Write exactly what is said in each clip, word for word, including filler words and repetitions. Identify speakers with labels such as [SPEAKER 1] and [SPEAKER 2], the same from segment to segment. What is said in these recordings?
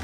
[SPEAKER 1] โอ้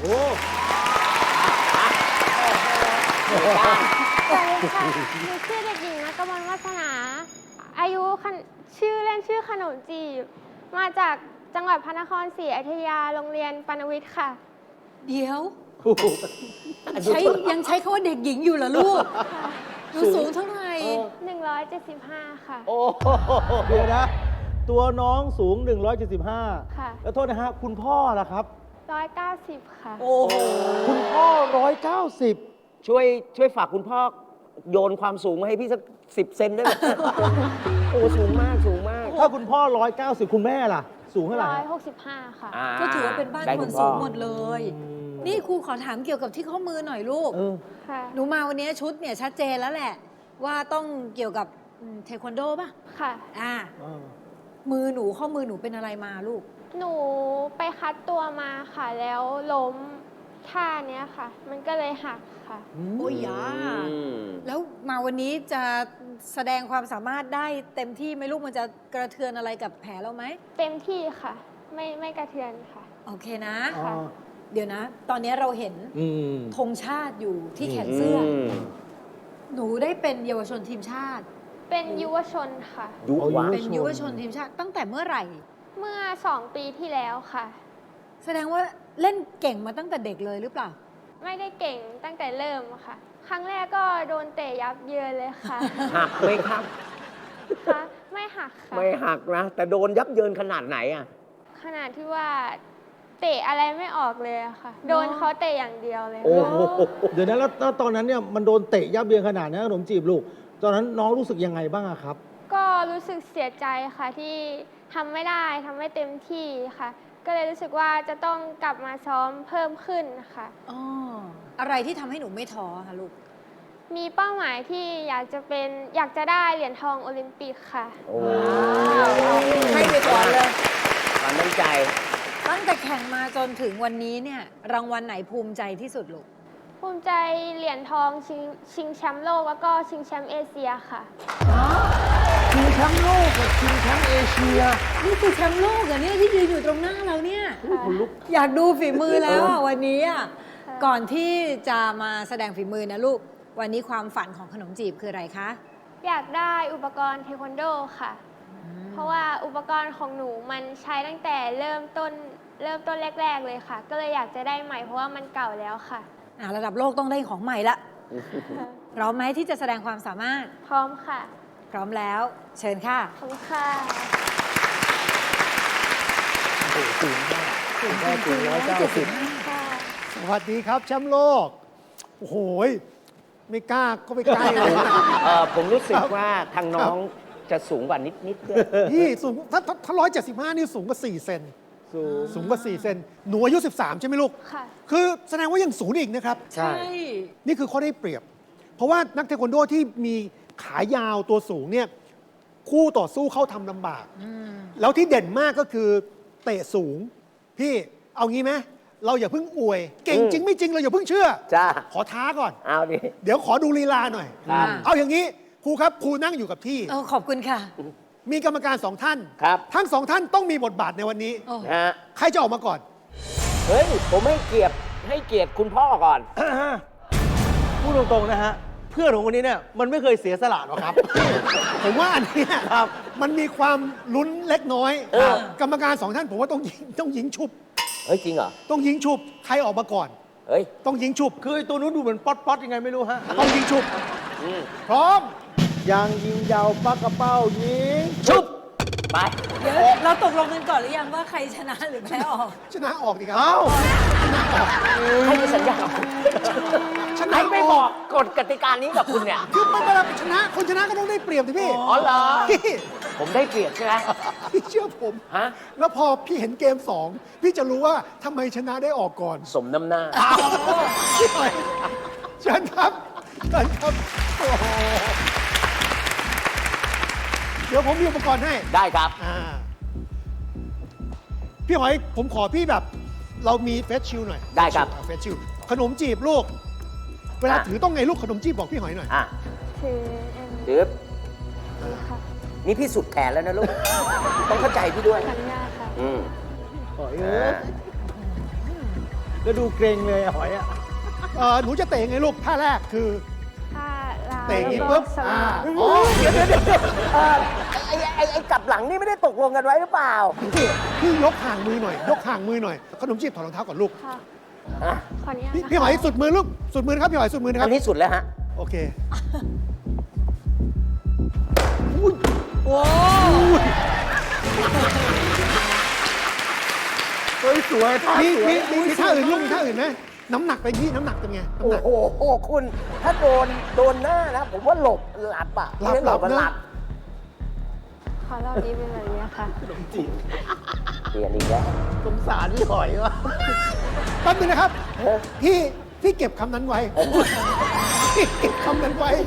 [SPEAKER 2] สวัสดีค่ะหนูชื่อเด็กหญิงณกมลวาสนา อายุชื่อเล่นชื่อขนมจีบ มาจากจังหวัดพระนครศรีอยุธยา โรงเรียนปานวิทย์ค่ะ
[SPEAKER 3] เดี๋ยวใช้ยังใช้คำว่าเด็กหญิงอยู่เหรอลูกหนูสูงเท่าไหร่
[SPEAKER 2] หนึ่งร้อยเจ็ดสิบห้า ค่ะ
[SPEAKER 1] โอ้เดี๋ยวนะ ตัวน้องสูง หนึ่งร้อยเจ็ดสิบห้า
[SPEAKER 2] ค่ะ
[SPEAKER 1] แล้วโทษนะฮะ คุณพ่อล่ะครับ
[SPEAKER 2] หนึ่งร้อยเก้าสิบ ค่ะ
[SPEAKER 3] โอ้โห
[SPEAKER 1] คุณพ่อ หนึ่งร้อยเก้าสิบ
[SPEAKER 4] ช่วยช่วยฝากคุณพ่อโยนความสูงมาให้พี่สักสิบเซนได้ไหม โอ้สูงมากสูงมาก
[SPEAKER 1] ถ้าคุณพ่อ หนึ่งร้อยเก้าสิบ คุณแม่ล่ะ สูงเท่าไหร่
[SPEAKER 2] หนึ่งร้อย
[SPEAKER 1] ฮะ
[SPEAKER 2] หกสิบห้า ค่ะ
[SPEAKER 4] อ่
[SPEAKER 3] ก็ถือว่าเป็นบ้าน
[SPEAKER 4] ได้
[SPEAKER 3] ค
[SPEAKER 4] คุ
[SPEAKER 3] น
[SPEAKER 4] ณ
[SPEAKER 3] สู
[SPEAKER 4] พ่อ
[SPEAKER 3] งหมดเลย นี่ครูขอถามเกี่ยวกับที่ข้อมือหน่อยลูก
[SPEAKER 1] เออ
[SPEAKER 2] ค่ะ
[SPEAKER 3] หนูมาวันนี้ชุดเนี่ยชัดเจนแล้วแหละ ว่าต้องเกี่ยวกับอืมเทควันโดป่ะ
[SPEAKER 2] ค่ะ
[SPEAKER 3] อ่า
[SPEAKER 1] เออ
[SPEAKER 3] มือหนูข้อมือหนูเป็นอะไรมาลูก
[SPEAKER 2] หนูไปคัดตัวมาค่ะ แล้วล้มท่าเนี้ยค่ะ มันก็เลยหักค่ะ
[SPEAKER 3] โอ้ยยา
[SPEAKER 4] อืม
[SPEAKER 3] แล้วมาวันนี้จะแสดงความสามารถได้เต็มที่ไหมลูกมันจะกระเทือนอะไรกับแผลเราไหม
[SPEAKER 2] เต็มที่ค่ะ ไม่ไม่กระเทือนค่ะ
[SPEAKER 3] โอเคนะ
[SPEAKER 1] อ๋อ
[SPEAKER 3] เดี๋ยวนะ ตอนนี้เราเห็น
[SPEAKER 1] อืม
[SPEAKER 3] ธงชาติอยู่ที่แขนเสื้ออ
[SPEAKER 4] ม
[SPEAKER 3] หนูได้เป็นเยาวชนทีมชาติ
[SPEAKER 2] เป็นยุวชนค่ะ
[SPEAKER 4] ยุวะ
[SPEAKER 3] เป็นยุวชนทีมชาติตั้งแต่เมื่อไหร่
[SPEAKER 2] เมื่อสองปีที่แล้วค่ะ
[SPEAKER 3] แสดงว่าเล่นเก่งมาตั้งแต่เด็กเลยหรือเปล่า
[SPEAKER 2] ไม่ได้เก่งตั้งแต่เริ่มค่ะ ครั้งแรกก็โดนเตะยับเยินเลยค่ะ
[SPEAKER 4] หักไหมครับ
[SPEAKER 2] ค่ะไม่หักค่ะ
[SPEAKER 4] ไม่หักนะ แต่โดนยับเยินขนาดไหนอ่ะ
[SPEAKER 2] ขนาดที่ว่าเตะอะไรไม่ออกเลยอะค่ะ โดนเขาเตะอย่างเดียวเลย
[SPEAKER 4] โอ้
[SPEAKER 2] ค่ะ
[SPEAKER 4] โห
[SPEAKER 1] เดี๋ยวนะแล้วแล้วตอนนั้นเนี่ยมันโดนเตะยับเยินขนาดนี้ขนมจีบลูก ตอนนั้นน้องรู้สึกยังไงบ้างอะครับ
[SPEAKER 2] ก็รู้สึกเสียใจค่ะที่ทำไม่ได้ทำไม่เต็มที่ค่ะ ก็เลยรู้สึกว่าจะต้องกลับมาซ้อมเพิ่มขึ้นค่ะ
[SPEAKER 3] อ๋อ อะไรที่ทำให้หนูไม่ท้อคะลูก
[SPEAKER 2] มีเป้าหมายที่อยากจะเป็นอยากจะได้เหรียญทองโอลิมปิกค่ะ
[SPEAKER 4] โอ้
[SPEAKER 3] ให้ไปก่อนเลย
[SPEAKER 4] ความตั้งใจ
[SPEAKER 3] ตั้งแต่แข่งมาจนถึงวันนี้เนี่ย รางวัลไหนภูมิใจที่สุดลูก
[SPEAKER 2] ภูมิใจเหรียญทองชิงชิงแชมป์โลกแล้วก็ชิงแชมป์เอเชียค่ะ
[SPEAKER 1] ชิงแชมป์โลกกับชิงแชมป์เอเชีย
[SPEAKER 3] นี่คือแชมป์โลกเหรอเนี่ยที่ยืนอยู่ตรงหน้าเราเนี่ย
[SPEAKER 1] คุณลุก
[SPEAKER 3] อยากดูฝีมือแล้วอ่ะวันนี้อ่ะ
[SPEAKER 2] ค่ะ
[SPEAKER 3] ก่อนที่จะมาแสดงฝีมือนะลูก วันนี้ความฝันของขนมจีบคืออะไรคะ
[SPEAKER 2] อยากได้อุปกรณ์เทควันโดค่ะ เพราะว่าอุปกรณ์ของหนูมันใช้ตั้งแต่เริ่มต้นเริ่มต้นแรก ๆ เลยค่ะ ก็เลยอยากจะได้ใหม่เพราะว่ามันเก่าแล้วค่ะ
[SPEAKER 3] อ่ะระดับโลกต้องได้ของใหม่ละพร้อมไหมที่จะแสดงความสามารถ
[SPEAKER 2] พร้อมค่ะ
[SPEAKER 3] พร้อมแล้ว เชิญค่ะ
[SPEAKER 2] ขอบคุณค่ะ
[SPEAKER 1] สูงมากสูงแค่สูงร้อยเก้าสิบ
[SPEAKER 2] ค่ะ
[SPEAKER 5] สวัสดีครับแชมป์โลก โอ้โหยไม่กล้าก็ไม่ใกล้เลย
[SPEAKER 4] เออผมรู้สึก
[SPEAKER 5] ครับ
[SPEAKER 4] ว่าทางน้องจะสูงกว่านิดนิดๆด้วย
[SPEAKER 5] พี่สูงถ้าถ้าร้อยเจ็ดสิบห้านี่สูงกว่าสี่เซน
[SPEAKER 1] สูง
[SPEAKER 5] สูงกว่าสี่เซนหนูอายุสิบสามใช่ไหมลูก
[SPEAKER 2] ค่ะ
[SPEAKER 5] คือแสดงว่ายังสูงอีกนะครับ
[SPEAKER 1] ใช่
[SPEAKER 5] นี่คือข้อได้เปรียบ เพราะว่านักเทควันโดที่มีขายาวตัวสูงเนี่ยคู่ต่อสู้เข้าทำลำบาก แล้วที่เด่นมากก็คือเตะสูง พี่เอางี้ไหมเราอย่าเพิ่งอวย เก่งจริงไม่จริงเราอย่าเพิ่งเชื่อ
[SPEAKER 4] จ้า
[SPEAKER 5] ขอท้าก่อน
[SPEAKER 4] เอาดิ
[SPEAKER 5] เดี๋ยวขอดูลีลาหน่อย
[SPEAKER 4] ครับ
[SPEAKER 5] เอาอย่างนี้ครูครับครูนั่งอยู่กับที่
[SPEAKER 3] เออขอบคุณค่ะ
[SPEAKER 5] มีกรรมการสองท่าน
[SPEAKER 4] ครับ
[SPEAKER 5] ทั้งสองท่านต้องมีบทบาทในวันนี้
[SPEAKER 3] โอ้
[SPEAKER 4] ฮะ
[SPEAKER 5] ใครจะออกมาก่อน
[SPEAKER 4] เฮ้ย ผมให้เกียรติให้เกียรติคุณพ่อก่อน
[SPEAKER 1] พูดตรงๆนะฮะ เพื่อนของคนนี้เนี่ยมันไม่เคยเสียสละหรอกครับ
[SPEAKER 5] ผมว่าอันเนี้ย
[SPEAKER 1] ครับ
[SPEAKER 5] มันมีความลุ้นเล็กน้อย
[SPEAKER 4] เออ
[SPEAKER 5] กรรมการสองท่านผมว่าต้องยิงต้องยิงชุบ
[SPEAKER 4] เฮ้ย จริงเหรอ
[SPEAKER 5] ต้องยิงชุบ ใครออกมาก่อน
[SPEAKER 4] เฮ้ย
[SPEAKER 5] ต้องยิงชุบ
[SPEAKER 1] คือไอ้ตัวนู้นดูเหมือนป๊อตป๊อตยังไงไม่รู้ฮะ
[SPEAKER 5] ต้องยิงชุบ
[SPEAKER 4] อืม
[SPEAKER 5] พร้อม
[SPEAKER 1] ยางยิงยาวปักกระเป้ายิง
[SPEAKER 4] ชุบ ไป
[SPEAKER 3] เดี๋ยวเราตกลงกันก่อนหรือยังว่าใครชนะหรือแพ้ออก
[SPEAKER 5] ชนะออกดีครั
[SPEAKER 1] เอ้า
[SPEAKER 4] ให้มีสัญญา
[SPEAKER 5] ชนะ
[SPEAKER 4] ให้ไม่บอกกฎกติกานี้กับคุณเนี่ย
[SPEAKER 5] คือมันเวลาชนะ คนชนะก็ต้องได้เปรียบสิพี่
[SPEAKER 4] อ๋อเหรอ
[SPEAKER 5] พี่
[SPEAKER 4] ผมได้เปรียบใช่ไหม
[SPEAKER 5] พี่เชื่อผม
[SPEAKER 4] ฮะ
[SPEAKER 5] แล้วพอพี่เห็นเกมสองพี่จะรู้ว่าทำไมชนะได้ออกก่อน
[SPEAKER 4] สมน้ำหน้า
[SPEAKER 5] พี่หอยเชิญครับเชิญครับโอ้โหเดี๋ยวผมมีอุปกรณ์ให้
[SPEAKER 4] ได้ครับ
[SPEAKER 5] อ่าพี่หอยผมขอพี่แบบ เรามีเฟสชิลหน่อย
[SPEAKER 4] ได้ครับ
[SPEAKER 5] เฟสชิลขนมจีบลูก เวลา
[SPEAKER 4] อ่ะ
[SPEAKER 5] ถือต้องไงลูกขนมจีบบอกพี่หอยหน่อย
[SPEAKER 4] อ่ะ
[SPEAKER 2] ถืออัน
[SPEAKER 4] ดื๊บ
[SPEAKER 2] นี้ค่ะ
[SPEAKER 4] นี่พี่สุดแขนแล้วนะลูก ต้องเข้าใจพี่ด้วย
[SPEAKER 2] ขออนุญาตค่ะ
[SPEAKER 4] อืม
[SPEAKER 1] ขอเอ
[SPEAKER 4] อ่า
[SPEAKER 1] อก็ดูเกรงเลยอะหอยอะ
[SPEAKER 5] เออหนูจะเตะยังไงลูกท่าแรกคือ
[SPEAKER 2] ถ้าลาว
[SPEAKER 5] เตะอย่างนี้
[SPEAKER 2] แล้ว
[SPEAKER 5] ปุ๊
[SPEAKER 2] ก็
[SPEAKER 5] บ
[SPEAKER 2] ส
[SPEAKER 5] อ่า
[SPEAKER 2] วิง
[SPEAKER 5] อ๋อ
[SPEAKER 4] เดี๋ยวเดี๋ยวเดี๋ยวเอ่อไอ้ไอ้ไอ้กลับหลังนี่ไม่ได้ตกลงกันไว้หรือเปล่า
[SPEAKER 5] พี่พี่ยกห่างมือหน่อย ยกห่างมือหน่อยขนมจีบถอดรองเท้าก่อนลูก
[SPEAKER 2] ค่ะ
[SPEAKER 4] อ่ะ
[SPEAKER 2] ขออนุญาต
[SPEAKER 5] พี่
[SPEAKER 2] นะคะ
[SPEAKER 5] พี่หอยสุดมือลูกสุดมือนะครับพี่หอยสุดมือนะค
[SPEAKER 4] อั
[SPEAKER 5] รับ
[SPEAKER 4] นนี้สุดแล้วฮะ
[SPEAKER 5] โอเค
[SPEAKER 3] โอ้
[SPEAKER 1] เฮ้ยสวยท่า
[SPEAKER 5] มี
[SPEAKER 1] สวย
[SPEAKER 5] มีมีมีท่าอื่นลูกมีท่าอื่นไหมน้ำหนักไปพี่น้ำหนักเป็นไงน้ำ
[SPEAKER 4] โอ้
[SPEAKER 5] หนัก
[SPEAKER 4] โหคุณถ้าโดนโดนหน้านะ ผมว่าหลบหลับอ่ะ
[SPEAKER 5] หลับ
[SPEAKER 4] ไม่ได้
[SPEAKER 5] หลับ
[SPEAKER 4] มัน
[SPEAKER 5] นะ
[SPEAKER 4] หลับ
[SPEAKER 2] ขอรอบนี้เป็นแบบนี้ค่ะ
[SPEAKER 4] เปลี่ยนอีกแล้ว
[SPEAKER 1] สงสารพี่หอยวะ
[SPEAKER 5] แป๊บนึงนะครับ
[SPEAKER 4] เฮ้ย
[SPEAKER 5] พี่พี่เก็บคำนั้นไว้พี่เก็บคำนั้นไว้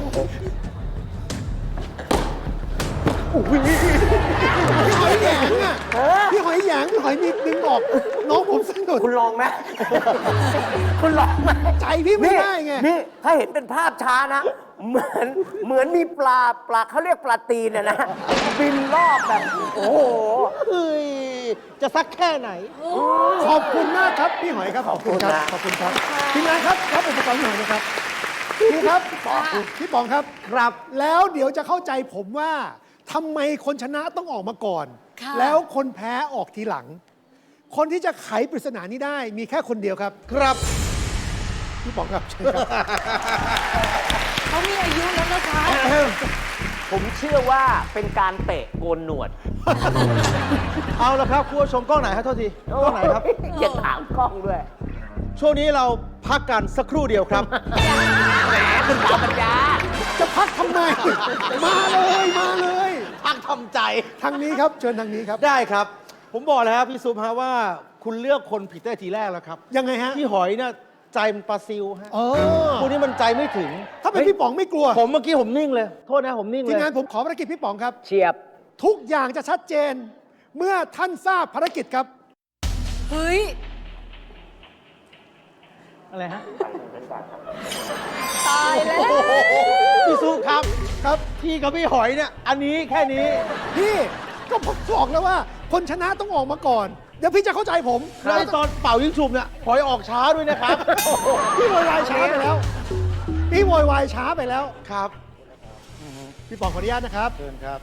[SPEAKER 5] โอ้โหพี่หอยแหยงอ่ะพี่หอยแหยงพี่หอยมีดึงออก น้องผมสนุก
[SPEAKER 4] คุณลองไหม คุณลองไหม
[SPEAKER 5] ใจพี่ไม่ได้ไง
[SPEAKER 4] นี่ถ้าเห็นเป็นภาพช้านะ เหมือนเหมือนมีปลาปลาเขาเรียกปลาตีนนะนะ บินรอบแบบ โอ้โห
[SPEAKER 1] เฮ้ย จะสักแค่ไหน
[SPEAKER 5] ขอบคุณมากครับ พี่หอยครับ ขอบคุณครับ ขอบคุณครับทีมงานครับรับอุปกรณ์พี่หอยนะครับครูครับพี่ปองครับ
[SPEAKER 1] ครับ
[SPEAKER 5] แล้วเดี๋ยวจะเข้าใจผมว่าทำไมคนชนะต้องออกมาก่อน
[SPEAKER 3] ค่ะ
[SPEAKER 5] แล้วคนแพ้ออกทีหลัง คนที่จะไขปริศนานี้ได้มีแค่คนเดียวครับ
[SPEAKER 1] ครับ
[SPEAKER 5] พี่ปองครับเชิญครับ
[SPEAKER 3] เขามีอายุแล้วนะคะ
[SPEAKER 4] ผมเชื่อว่าเป็นการเตะโกนหนวด
[SPEAKER 1] เอาละครับคุณผู้ชมกล้องไหนครับโทษทีกล้องไหนครับ
[SPEAKER 4] อย่าถามกล้องด้วย
[SPEAKER 1] ช่วงนี้เราพักกันสักครู่เดียวครับ
[SPEAKER 4] แหมคุณตาปัญญา
[SPEAKER 5] จะพักทำไม มาเลยมาเลย
[SPEAKER 1] พักทำใจ
[SPEAKER 5] ทางนี้ครับเชิญทางนี้ครับ
[SPEAKER 1] ได้ครับ ผมบอกแล้วครับพี่ซุปฮะว่าคุณเลือกคนผิดได้ทีแรกแล้วครับ
[SPEAKER 5] ยังไงฮะ
[SPEAKER 1] พี่หอยเนี่ยใจมันปลาซิวฮะ
[SPEAKER 5] เออ
[SPEAKER 1] พวกนี้มันใจไม่ถึง
[SPEAKER 5] ถ้าเป็นพี่ป๋องไม่กลัว
[SPEAKER 1] ผมเมื่อกี้ผมนิ่งเลย โทษนะผมนิ่ง
[SPEAKER 5] ที
[SPEAKER 1] เล
[SPEAKER 5] ม
[SPEAKER 1] ย
[SPEAKER 5] งานผมขอภารกิจพี่ป๋องครับ
[SPEAKER 4] เฉียบ
[SPEAKER 5] ทุกอย่างจะชัดเจน เมื่อท่านทราบภารกิจครับ
[SPEAKER 3] เฮ้ย
[SPEAKER 1] อะไรฮะ
[SPEAKER 3] ตายแล้ว
[SPEAKER 1] พี่ซุปครับ
[SPEAKER 5] ครับ
[SPEAKER 1] พี่กับพี่หอยเนี่ย อันนี้แค่นี้
[SPEAKER 5] พี่ก็ผมบอกแล้วว่า คนชนะต้องออกมาก่อน เดี๋ยวพี่จะเข้าใจผม
[SPEAKER 1] แล้วไอ้ตอนเป่ายิงฉุบเนี่ยหอยออกช้าด้วยนะครับ
[SPEAKER 5] พี่โวยวายช้าไปแล้ว พี่โวยวายช้าไปแล้ว
[SPEAKER 1] ครับ
[SPEAKER 5] พี่ป๋องขออนุญาตนะครับ
[SPEAKER 1] เชิญครับ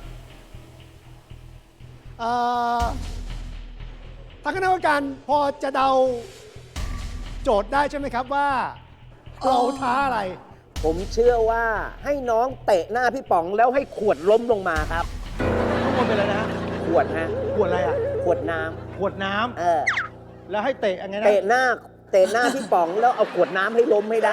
[SPEAKER 5] เอ่อทางคณะกรรมการพอจะเดาโจทย์ได้ใช่ไหมครับว่า เราท้าอะไร
[SPEAKER 4] ผมเชื่อว่าให้น้องเตะหน้าพี่ป๋องแล้วให้ขวดล้มลงมาครับ
[SPEAKER 1] ทุกคนเป็นอะไรนะ
[SPEAKER 4] ขวดฮะ
[SPEAKER 1] ขวดอะไรอ่ะ
[SPEAKER 4] ขวดน้ำ
[SPEAKER 1] ขวดน้ำ
[SPEAKER 4] เออ
[SPEAKER 1] แล้วให้เตะยังไงนะ
[SPEAKER 4] เตะหน้า เตะหน้าพี่ป๋องแล้วเอาขวดน้ำให้ล้มให้ได้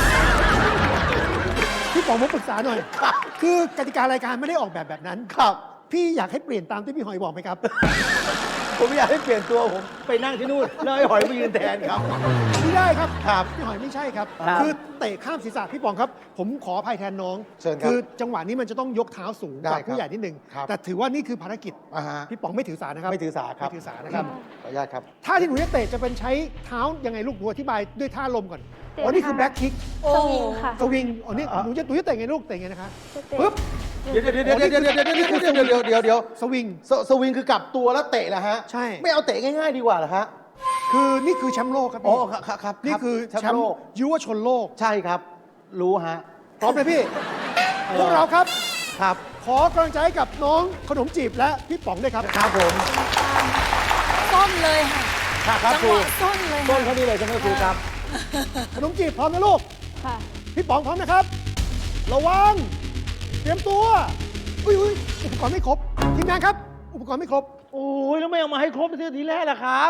[SPEAKER 5] พี่ป๋องผมปรึกษาหน่อย คือกติการายการไม่ได้ออกแบบแบบนั้น
[SPEAKER 1] ครับ
[SPEAKER 5] พี่อยากให้เปลี่ยนตามที่พี่หอยบอกไหมครับ
[SPEAKER 1] ผมอยากให้เปลี่ยนตัวผมไปนั่งที่นู่น แล้วไอ้หอยไปยืนแทนครับ
[SPEAKER 5] ไม่ได้ครับ
[SPEAKER 1] ครับ
[SPEAKER 5] พี่หอยไม่ใช่ครับ
[SPEAKER 4] ครับ
[SPEAKER 5] คือเตะข้ามศีรษะพี่ป๋องครับ ผมขออภัยแทนน้อง
[SPEAKER 1] เชิญครับ
[SPEAKER 5] คือจังหวะนี้มันจะต้องยกเท้าสูงก
[SPEAKER 1] ได้
[SPEAKER 5] ว่า
[SPEAKER 1] ครับ
[SPEAKER 5] ผู้ใหญ่นิดนึง
[SPEAKER 1] ครับ
[SPEAKER 5] แต่ถือว่านี่คือภารกิจ
[SPEAKER 1] อ่าฮะ
[SPEAKER 5] พี่ป๋องไม่ถือสานะครับ
[SPEAKER 1] ไม่ถือสาครับ
[SPEAKER 5] ไม่ถือสานะครับ
[SPEAKER 1] ขออนุญาตครับ
[SPEAKER 5] ท่าที่หนูจะเตะจะเป็นใช้เท้ายังไงลูกหนูอธิบายด้วยท่าลมก่อน
[SPEAKER 2] เตะ
[SPEAKER 5] อ๋อนี่คือ
[SPEAKER 2] ค่ะ
[SPEAKER 5] แบ็คคิก
[SPEAKER 3] โอ้
[SPEAKER 2] สวิงค่ะ
[SPEAKER 5] สวิงอ๋อนี่หนูจะหนูจะเตะไงลูกเตะไงนะคะ
[SPEAKER 2] จะเตะ
[SPEAKER 5] ปึ๊บ
[SPEAKER 1] เดี๋ยวเดี๋ยวเดี๋ยวเดี๋ยวเดี๋ยวเดี๋ยวเดี๋ยวเดี๋ยวเดี๋ยวเดี๋ยวเดี๋ยว
[SPEAKER 5] สวิง
[SPEAKER 1] สสวิงคือกลับตัวแล้วเตะเหรอฮะ
[SPEAKER 5] ใช่
[SPEAKER 1] ไม่เอาเตะง่ายๆดีกว่าเหรอฮะ
[SPEAKER 5] คือนี่คือแชมป์โลกครับ
[SPEAKER 1] อ๋อ
[SPEAKER 5] พี่
[SPEAKER 1] ครับครับ
[SPEAKER 5] นี่คือ
[SPEAKER 1] รับ
[SPEAKER 5] แชมป์ยุวชนโลก
[SPEAKER 1] ใช่ครับ รู้ฮะ
[SPEAKER 5] พร้อมเลยพี่ พวกเราครับ
[SPEAKER 1] ครับ
[SPEAKER 5] ขอกำลังใจให้กับน้องขนมจีบและพี่ป๋องด้วยครับ
[SPEAKER 1] ครับผม
[SPEAKER 3] ส้นเลยค่ะ
[SPEAKER 1] ครับครับ
[SPEAKER 3] จัง
[SPEAKER 1] ครู
[SPEAKER 3] หวะส้นเลย
[SPEAKER 1] ต้น
[SPEAKER 3] ค่ะ
[SPEAKER 1] เขานี่เลยใช่ไหมครูครับ
[SPEAKER 5] ขนมจีบพร้อมนะลูก
[SPEAKER 2] ค่ะ
[SPEAKER 5] พี่ป๋องพร้อมนะครับ ระวัง เตรียมตัว อุ้ยอุ้ยอุปกรณ์ไม่ครบ ทีมงานครับ อุปกรณ์ไม่ครบ
[SPEAKER 1] โอ้ยแล้วไม่เอามาให้ครบทีทีแรกล่ะครับ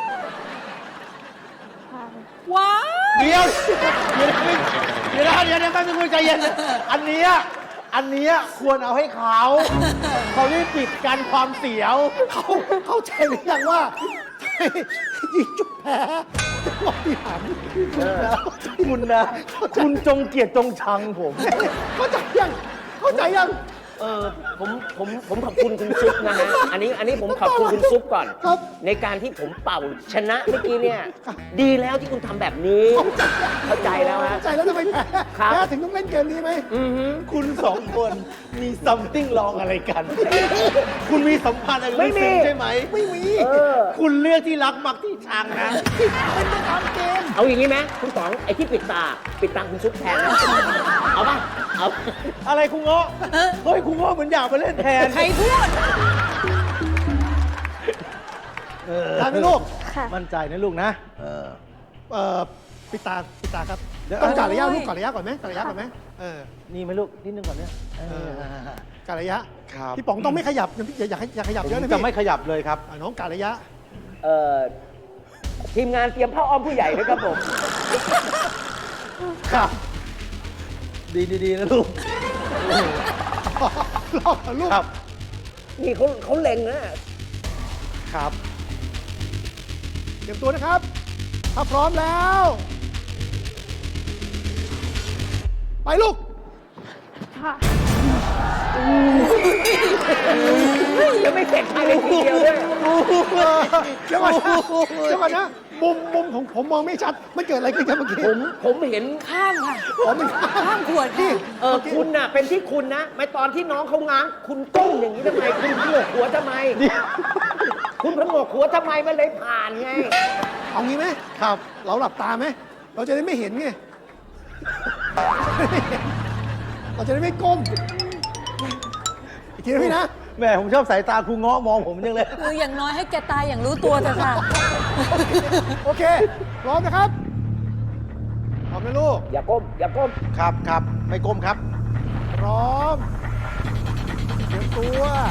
[SPEAKER 2] ค่ะ
[SPEAKER 3] ว้าว
[SPEAKER 1] เดี๋ยวเดี๋ยวนะเดี๋ยวนะเดี๋ยวนะแป๊บนึงคุณใจเย็น อันเนี้ยอันเนี้ยควรเอาให้เขาเขาได้ปิดกันความเสียว
[SPEAKER 5] เขาเข้าใจหรือยังว่า ยิงจุดแพ้จังหวะที่หัน
[SPEAKER 1] คุณนะ คุณจงเกลียดจงชังผม
[SPEAKER 5] เข้าใจยัง เข้าใจยัง
[SPEAKER 4] เออผมผมผมขอบคุณคุณซุปนะฮะ อันนี้อันนี้ผมขอบคุณคุณซุปก่อน
[SPEAKER 5] ครับ
[SPEAKER 4] ในการที่ผมเป่าชนะเมื่อกี้เนี่ย ดีแล้วที่คุณทำแบบนี้ เข้าใจแล้วฮะ
[SPEAKER 5] เข้าใจแล้วทำไมแพ้
[SPEAKER 4] ครับ
[SPEAKER 5] แพ้ถึงต้องเล่นเกมนี้ไหม
[SPEAKER 4] อือหือ
[SPEAKER 1] คุณสองคนมีซัมติ้งลองอะไรกัน คุณมีสัมพันธ์อะไร
[SPEAKER 4] ไม่มี
[SPEAKER 1] ลึกซึ้งใช่ไหม
[SPEAKER 5] ไม่มี
[SPEAKER 4] เออ
[SPEAKER 1] คุณเลือกที่รักมักที่ชังนะ
[SPEAKER 5] เป็นไปตามเกม
[SPEAKER 4] เอาอย่างนี้ไหมคุณต๋องไอ้ที่ปิดตา ปิดตาคุณซุปแทนนะเอาป่ะเอา
[SPEAKER 1] อะไรครูเงาะเฮ้ยครูเงาะเหมือนอยากไปเล่นแทน
[SPEAKER 3] ใครพูด
[SPEAKER 1] เออ
[SPEAKER 5] ได้ไหมลูก
[SPEAKER 2] ค่ะ
[SPEAKER 1] มั่นใจนะลูกนะ เออ
[SPEAKER 5] เอ่อปิดตาปิดตาครับ
[SPEAKER 1] เดี๋ยว
[SPEAKER 5] ต้องกะระยะ
[SPEAKER 3] โอ้ย
[SPEAKER 5] ลูกกะระยะก่อนไหมกะระยะก่อนไหมเออ
[SPEAKER 1] นี่ไหมลูกนิดนึงก่อนเนี่ยเออ
[SPEAKER 5] กะระยะ
[SPEAKER 1] ครับ
[SPEAKER 5] พี่ป๋องต้องไม่ขยับอย่าอย่าอย่าขยับ
[SPEAKER 1] ผม
[SPEAKER 5] เยอะนะ
[SPEAKER 1] จะ
[SPEAKER 5] พี่
[SPEAKER 1] ไม่ขยับเลยครับ
[SPEAKER 5] อ่ะน้องกะระยะ
[SPEAKER 4] เอ่อทีมงานเตรียมผ้าอ้อมผู้ใหญ่ด้วยครับผม
[SPEAKER 1] ครับ ดีดีดีนะลูก
[SPEAKER 5] รอบลูก
[SPEAKER 1] ครับ
[SPEAKER 4] นี่เขาเขาเล็งนะ
[SPEAKER 1] ครับ
[SPEAKER 5] เตรียมตัวนะครับ ถ้าพร้อมแล้ว ไปลูก
[SPEAKER 2] ค่ะ
[SPEAKER 4] ยังไม่เสร็จภายในทีเดียวด้วย
[SPEAKER 5] เดี๋ยวก่อนนะเดี๋ยวก่อนนะ มุมมุมของผมมองไม่ชัด มันเกิดอะไรขึ้นครับเมื่อกี้
[SPEAKER 4] ผมผมเห็น
[SPEAKER 3] ข้ามค่ะ
[SPEAKER 5] อ๋อมัน
[SPEAKER 3] ข้ามขวดค่ะ
[SPEAKER 4] เออคุณน่ะเป็นที่คุณนะ ไม่ตอนที่น้องเขาง้าง คุณก้มอย่างนี้ทำไม คุณผงกหัวทำไม คุณผงกหัวทำไมมันเลยผ่านไง
[SPEAKER 5] เอางี้ไหมครับ เราหลับตาไหม เราจะได้ไม่เห็นไง เราจะได้ไม่ก้ม อีกทีนะพี่นะ
[SPEAKER 1] แหม่ผมชอบสายตาครูเงาะมองผมจังเลย
[SPEAKER 3] คืออย่างน้อยให้แกตายอย่างรู้ตัวเถอะค่ะ
[SPEAKER 5] โอเค พร้อมนะครับ พร้อมนะลูก
[SPEAKER 4] อย่าก้ม อย่าก้ม
[SPEAKER 1] ครับครับไม่ก้มครับ
[SPEAKER 5] พร้อม เตรียมตัว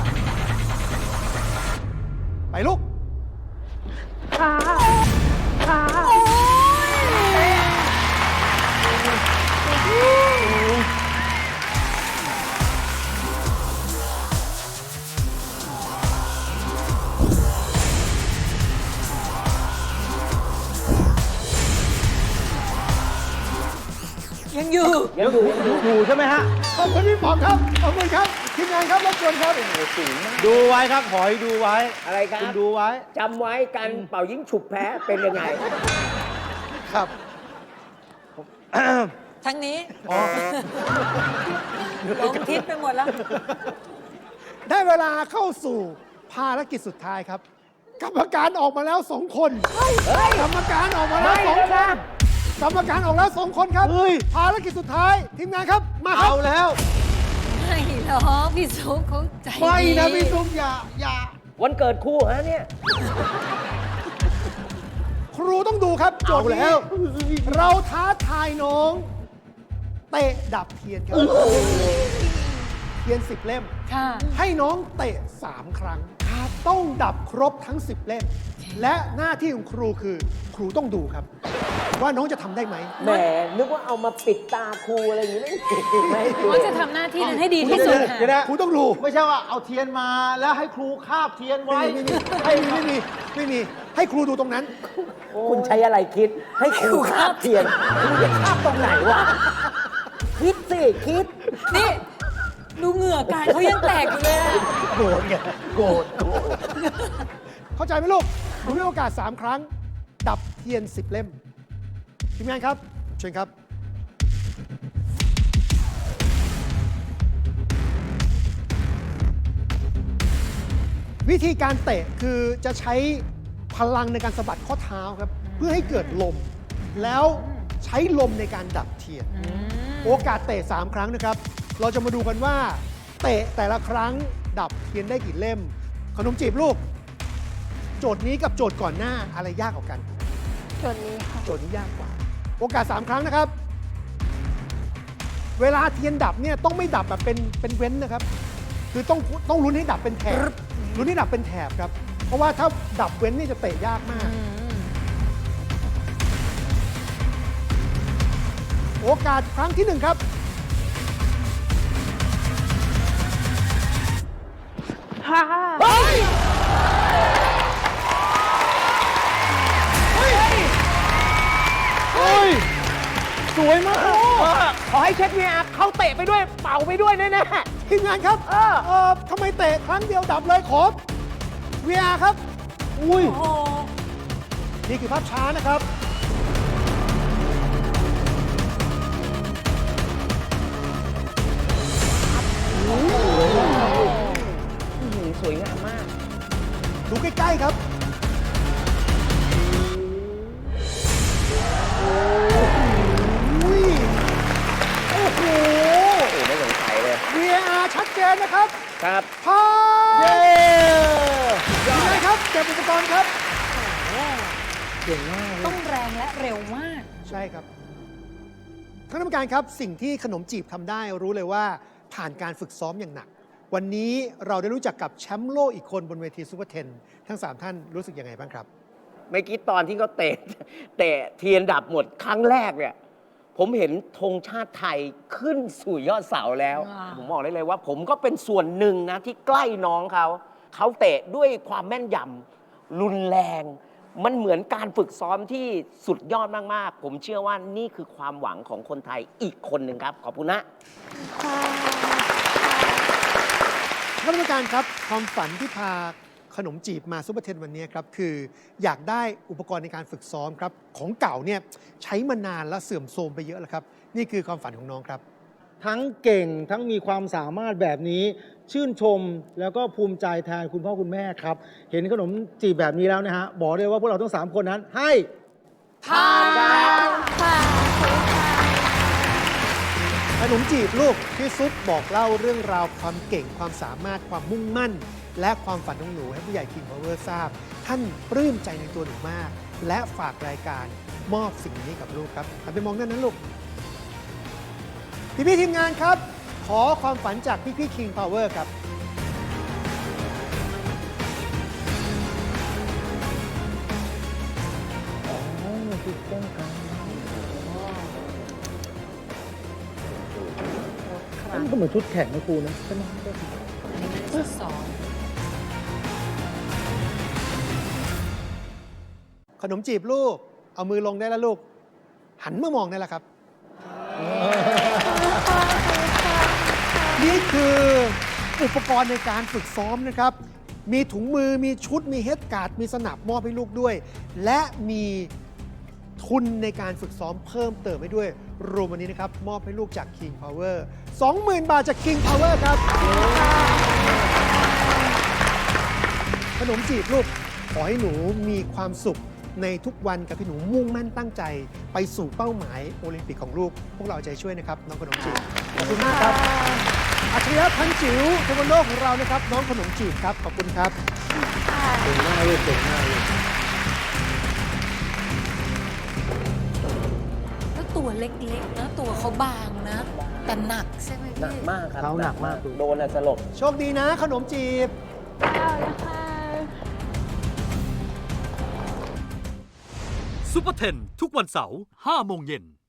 [SPEAKER 5] ไปลูก
[SPEAKER 2] ค่ะ ค่ะ
[SPEAKER 3] ยังอยู่
[SPEAKER 4] ยังอยู่ยังอยู่
[SPEAKER 1] อยู่ใช่ไหมฮะ
[SPEAKER 5] ขอบคุณพี่ป๋องครับ ขอบคุณครับ ทีมงานครับรบกวนครับ
[SPEAKER 1] ดูไว้ครับหอยดูไว้
[SPEAKER 4] อะไรครับ
[SPEAKER 1] คุณดูไว้
[SPEAKER 4] จำไว้การเป่ายิงฉุบแพ้เป็นยังไง
[SPEAKER 1] ครับ
[SPEAKER 3] ทั้งนี้
[SPEAKER 1] อ๋อ
[SPEAKER 3] หลงทิศไปหมดแล้ว
[SPEAKER 5] ได้เวลาเข้าสู่ภารกิจสุดท้ายครับ กรรมการออกมาแล้วสองคน กรรมการออกมาแล้ว
[SPEAKER 4] ไม่
[SPEAKER 5] สอง
[SPEAKER 4] แล้ว
[SPEAKER 5] ค
[SPEAKER 4] นะ
[SPEAKER 5] น กรรมการออกแล้วสองคนครับ
[SPEAKER 1] เฮ้ย
[SPEAKER 5] ภารกิจสุดท้าย ทีมงานครับ มาครั
[SPEAKER 1] เอา
[SPEAKER 5] บ
[SPEAKER 1] แล้ว
[SPEAKER 3] ไม่หรอกพี่สุขเขาใจ
[SPEAKER 1] ไม่
[SPEAKER 3] ดี
[SPEAKER 1] นะพี่ซุปอย่าอย่า
[SPEAKER 4] วันเกิดคู่ฮะเนี่ย
[SPEAKER 5] ครูต้องดูครับโจทย์
[SPEAKER 1] เอาแล้ว
[SPEAKER 5] นี้เราท้าทายน้องเตะดับเทียนครับ เทียนสิบเล่ม
[SPEAKER 3] ค่ะ
[SPEAKER 5] ให้น้องเตะสามครั้ง ต้องดับครบทั้งสิบเล่ม และหน้าที่ของครูคือ ครูต้องดูครับ ว่าน้องจะทำได้ไหม
[SPEAKER 4] แหม นึกว่าเอามาปิดตาครูอะไรอย่างนี้ไม่ไม่ให้ครู
[SPEAKER 3] เขาจะทำหน้าที่นั้นให้ดีที่สุดค่ะ
[SPEAKER 1] เดี๋ยวนะ
[SPEAKER 5] ครูต้องดู
[SPEAKER 1] ไม่ใช่ว่าเอาเทียนมาแล้วให้ครูคาบเทียนไว้
[SPEAKER 5] ไม่มีไม่มีไม่มีไม่มี ให้ครูดูตรงนั้น
[SPEAKER 4] คุณใช้อะไรคิด ให้ครูคาบเทียนคุณจะคาบตรงไหนวะ คิดสิ คิด
[SPEAKER 3] นี่ ดูเหงื่อการเขายังแตกอยู่เลยอะ
[SPEAKER 1] โกรธไงโกรธโกรธ
[SPEAKER 5] เข้าใจไหมลูกหนูมีโอกาสสามครั้ง ดับเทียนสิบเล่ม ทีมงานครับ เชิญครับ วิธีการเตะคือจะใช้พลังในการสะบัดข้อเท้าครับ เพื่อให้เกิดลม แล้วใช้ลมในการดับเทียน โอกาสเตะสามครั้งนะครับ เราจะมาดูกันว่า เตะแต่ละครั้งดับเทียนได้กี่เล่ม ขนมจีบลูก โจทย์นี้กับโจทย์ก่อนหน้าอะไรยากกว่ากัน
[SPEAKER 2] จดนี้ค่ะ
[SPEAKER 5] โจทย์นี้ยากกว่า โอกาสสามครั้งนะครับ เวลาเทียนดับเนี่ยต้องไม่ดับแบบเป็นเป็นเว้นนะครับ คือต้องต้องลุ้นให้ดับเป็นแถบลุ้นให้ดับเป็นแถบครับ เพราะว่าถ้าดับเว้นนี่จะเตะยากมาก โอกาสครั้งที่หนึ่งครับ
[SPEAKER 2] ค่ะ
[SPEAKER 5] เฮ้ย
[SPEAKER 1] เฮ้ย สวยมาก
[SPEAKER 4] ขอให้เช็คเนี่ยเขาเตะไปด้วย เป่าไปด้วยแน่
[SPEAKER 5] ทีมงานครับ
[SPEAKER 4] เออ
[SPEAKER 5] เออทำไมเตะครั้งเดียวดับเลยขอ วี อาร์ ครับ
[SPEAKER 1] อุ้ย
[SPEAKER 3] โอ้โห
[SPEAKER 5] นี่คือภาพช้านะครับ
[SPEAKER 4] ๆสวยงามมาก
[SPEAKER 5] ดูใกล้ ๆ ครับ
[SPEAKER 1] โ
[SPEAKER 4] ครับ
[SPEAKER 5] ผ่าน
[SPEAKER 1] เย้
[SPEAKER 5] ยังไงครับเก็บอุปกรณ์ครับ
[SPEAKER 1] เก่งมาก
[SPEAKER 3] ต้องแรงและเร็วมาก
[SPEAKER 5] ใช่ครับท่านกรรมการครับสิ่งที่ขนมจีบทำได้รู้เลยว่าผ่านการฝึกซ้อมอย่างหนัก วันนี้เราได้รู้จักกับแชมป์โลกอีกคนบนเวทีซูเปอร์เทนทั้งสามท่านรู้สึกยังไงบ้างครับ
[SPEAKER 4] เมื่อกี้ตอนที่เขาเตะ เตะเทียนดับหมดครั้งแรกเนี่ย ผมเห็นธงชาติไทยขึ้นสู่ยอดเสาแล้ว
[SPEAKER 3] ว้าว
[SPEAKER 4] ผมบอกได้เลยว่า ผมก็เป็นส่วนหนึ่งนะที่ใกล้น้องเขา เขาเตะด้วยความแม่นยำรุนแรง มันเหมือนการฝึกซ้อมที่สุดยอดมาก ๆ ผมเชื่อว่านี่คือความหวังของคนไทยอีกคนหนึ่งครับ ขอบคุณนะ
[SPEAKER 2] ค่ะ
[SPEAKER 5] ท่านกรรมการครับความฝันที่พาขนมจีบมาซูเปอร์เทนวันนี้ครับคืออยากได้อุปกรณ์ในการฝึกซ้อมครับของเก่าเนี่ยใช้มานานแล้วเสื่อมโทรมไปเยอะแล้วครับนี่คือความฝันของน้องครับ
[SPEAKER 1] ทั้งเก่งทั้งมีความสามารถแบบนี้ ชื่นชมแล้วก็ภูมิใจแทนคุณพ่อคุณแม่ครับ เห็นขนมจีบแบบนี้แล้วนะฮะ บอกเลยว่าพวกเราทั้งสามคนนั้นให้
[SPEAKER 3] ผ่าน
[SPEAKER 2] ค่ะ
[SPEAKER 5] ขนมจีบลูกพี่ซุปบอกเล่าเรื่องราวความเก่งความสามารถความมุ่งมั่น และความฝันของหนูให้ผู้ใหญ่ King Power ทราบ ท่านปลื้มใจในตัวหนูมาก และฝากรายการมอบสิ่งนี้กับลูกครับหันไปมองด้านนั้นลูก พี่พี่ๆทีมงานครับ ขอความฝันจากพี่พี่ๆ King Power ครับ
[SPEAKER 1] มันก็เหมือนชุดแข่งนะครูนะใช่ไหม
[SPEAKER 3] อันนี้ไม่ได้ฝึกซ้อม
[SPEAKER 5] ขนมจีบลูก เอามือลงได้แล้วลูก หันมามองได้แล้วครับ นี่คืออุปกรณ์ในการฝึกซ้อมนะครับ มีถุงมือ มีชุด มีเฮดการ์ด มีสนับมอบให้ลูกด้วย และมีทุนในการฝึกซ้อมเพิ่มเติมให้ด้วย รวมวันนี้นะครับ มอบให้ลูกจาก King Power สองหมื่น บาทจาก King Power ครับ ขนมจีบลูก ขอให้หนูมีความสุขในทุกวันกับที่หนูมุ่งมั่นตั้งใจ ไปสู่เป้าหมายโอลิมปิกของลูก พวกเราเอาใจช่วยนะครับ น้องขนมจีบ ขอบคุณมากครับ อัจฉริยะพันจิ๋วเทควันโดของเรานะครับ น้องขนมจีบครับ ขอบคุณครับ
[SPEAKER 1] เก่งมากเลยเก่งมากเลย
[SPEAKER 3] แล้วตัวเล็กๆนะตัวเขาบางนะ แต่หนักใช่ไหม
[SPEAKER 4] หนัก
[SPEAKER 3] พี่
[SPEAKER 4] มากครับ
[SPEAKER 1] เขาหนักมาก
[SPEAKER 4] โดนอะสลบ
[SPEAKER 5] โชคดีนะขนมจีบ
[SPEAKER 2] เอาละค่ะ
[SPEAKER 6] ซุปเปอร์เทนทุกวันเสาร์ห้าโมงเย็น